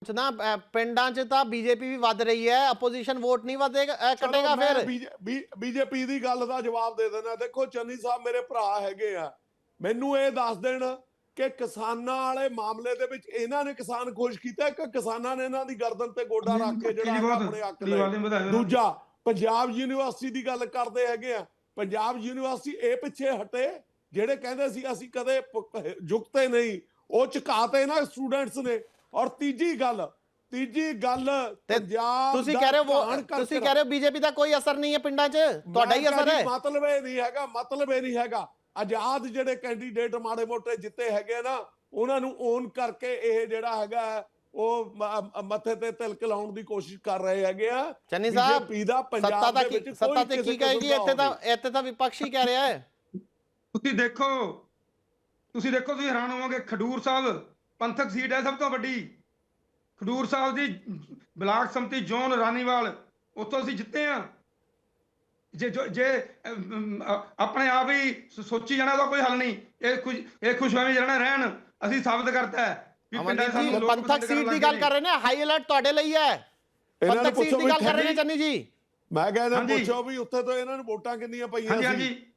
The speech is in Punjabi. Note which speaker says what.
Speaker 1: ਨਾ ਪਿੰਡਾਂ 'ਚ ਤਾਂ ਬੀਜੇਪੀ ਵੀ ਵੱਧ ਰਹੀ ਹੈ, ਆਪੋਜੀਸ਼ਨ ਵੋਟ ਨਹੀਂ ਵਧੇਗਾ ਕਟੇਗਾ ਫਿਰ।
Speaker 2: ਬੀਜੇਪੀ ਦੀ ਗੱਲ ਦਾ ਜਵਾਬ ਦੇ ਦੇਣਾ। ਦੇਖੋ ਚੰਨੀ ਸਾਹਿਬ ਮੇਰੇ ਭਰਾ ਹੈਗੇ ਆ, ਮੈਨੂੰ ਇਹ ਦੱਸ ਦੇਣ ਕਿ ਕਿਸਾਨਾਂ ਵਾਲੇ ਮਾਮਲੇ ਦੇ ਵਿੱਚ ਇਹਨਾਂ ਨੇ ਕਿਸਾਨ ਖੁਸ਼ ਕੀਤਾ ਕਿ ਕਿਸਾਨਾਂ ਨੇ ਇਹਨਾਂ ਦੀ ਗਰਦਨ ਤੇ ਗੋਡਾ ਰੱਖ ਕੇ ਜਿਹੜਾ ਆਪਣੇ ਹੱਕ ਲਏ। ਦੂਜਾ, ਪੰਜਾਬ ਯੂਨੀਵਰਸਿਟੀ ਦੀ ਗੱਲ ਕਰਦੇ ਹੈਗੇ ਆ, ਪੰਜਾਬ ਯੂਨੀਵਰਸਿਟੀ ਇਹ ਪਿੱਛੇ ਹਟੇ ਜਿਹੜੇ ਕਹਿੰਦੇ ਸੀ ਅਸੀਂ ਕਦੇ ਝੁਕਤੇ ਨਹੀਂ, ਉਹ ਝੁਕਾਤੇ ਨਾ ਸਟੂਡੈਂਟਸ ਨੇ। ਔਰ ਤੀਜੀ ਗੱਲ ਪੰਜਾਬ
Speaker 1: ਤੁਸੀਂ ਕਹਿ ਰਹੇ ਹੋ ਬੀਜੇਪੀ ਦਾ ਕੋਈ ਅਸਰ ਨਹੀਂ ਹੈ ਪਿੰਡਾਂ 'ਚ, ਤੁਹਾਡਾ ਹੀ ਅਸਰ ਹੈ।
Speaker 2: ਮਤਲਬ ਇਹ ਨਹੀਂ ਹੈਗਾ ਆਜ਼ਾਦ ਜਿਹੜੇ ਕੈਂਡੀਡੇਟ ਮਾੜੇ ਮੋਟੇ ਜਿੱਤੇ ਹੈਗੇ ਨਾ, ਉਹਨਾਂ ਨੂੰ ਓਨ ਕਰਕੇ ਇਹ ਜਿਹੜਾ ਹੈਗਾ ਉਹ ਮੱਥੇ ਤੇ ਤਿਲਕ ਲਾਉਣ ਦੀ ਕੋਸ਼ਿਸ਼ ਕਰ ਰਹੇ ਹੈਗੇ ਆ।
Speaker 1: ਚੰਨੀ ਸਾਹਿਬ
Speaker 2: ਬੀਜੇਪੀ ਦਾ ਪੰਜਾਬ ਦੇ ਵਿੱਚ
Speaker 1: ਸੱਤਾ ਤੇ ਕੀ ਕਹੇਗੀ? ਇੱਥੇ ਤਾਂ ਵਿਪਕਸ਼ ਹੀ ਕਹਿ ਰਿਹਾ ਹੈ।
Speaker 3: ਤੁਸੀਂ ਦੇਖੋ ਤੁਸੀਂ ਹੈਰਾਨ ਹੋਵੋਗੇ। ਖਡੂਰ ਸਾਹਿਬ ਪੰਥਕ ਸੀਟ ਹੈ ਸਭ ਤੋਂ ਵੱਡੀ। ਖਡੂਰ ਸਾਹਿਬ ਦੀ ਬਲਾਕ ਸੰਮਤੀ ਜ਼ੋਨ ਰਾਨੀਵਾਲ, ਉੱਥੋਂ ਅਸੀਂ ਜਿੱਤੇ ਆ। ਜੇ ਆਪਣੇ ਆਪ ਹੀ ਸੋਚੀ ਜਾਣਾ ਤਾਂ ਕੋਈ ਹੱਲ ਨਹੀਂ। ਇਹ ਖੁਸ਼ਹਾਲੀ ਰਹਿਣਾ ਰਹਿਣ ਅਸੀਂ ਸਾਬਤ ਕਰਤਾ ਹੈ ਵੀ ਪਿੰਡਾਂ ਦੇ ਸਾਨੂੰ ਲੋਕ
Speaker 1: ਪੰਥਕ ਸੀਟ ਦੀ ਗੱਲ ਕਰ ਰਹੇ ਨੇ। ਹਾਈ ਅਲਰਟ ਤੁਹਾਡੇ ਲਈ ਹੈ। ਪੰਥਕ ਸੀਟ ਦੀ ਗੱਲ ਕਰ ਰਹੇ ਨੇ ਚੰਨੀ ਜੀ।
Speaker 2: ਮੈਂ ਕਹਿੰਦਾ ਪੁੱਛੋ ਵੀ ਉੱਥੇ ਤੋਂ ਇਹਨਾਂ ਨੂੰ ਵੋਟਾਂ ਕਿੰਨੀਆਂ ਪਈਆਂ ਸੀ।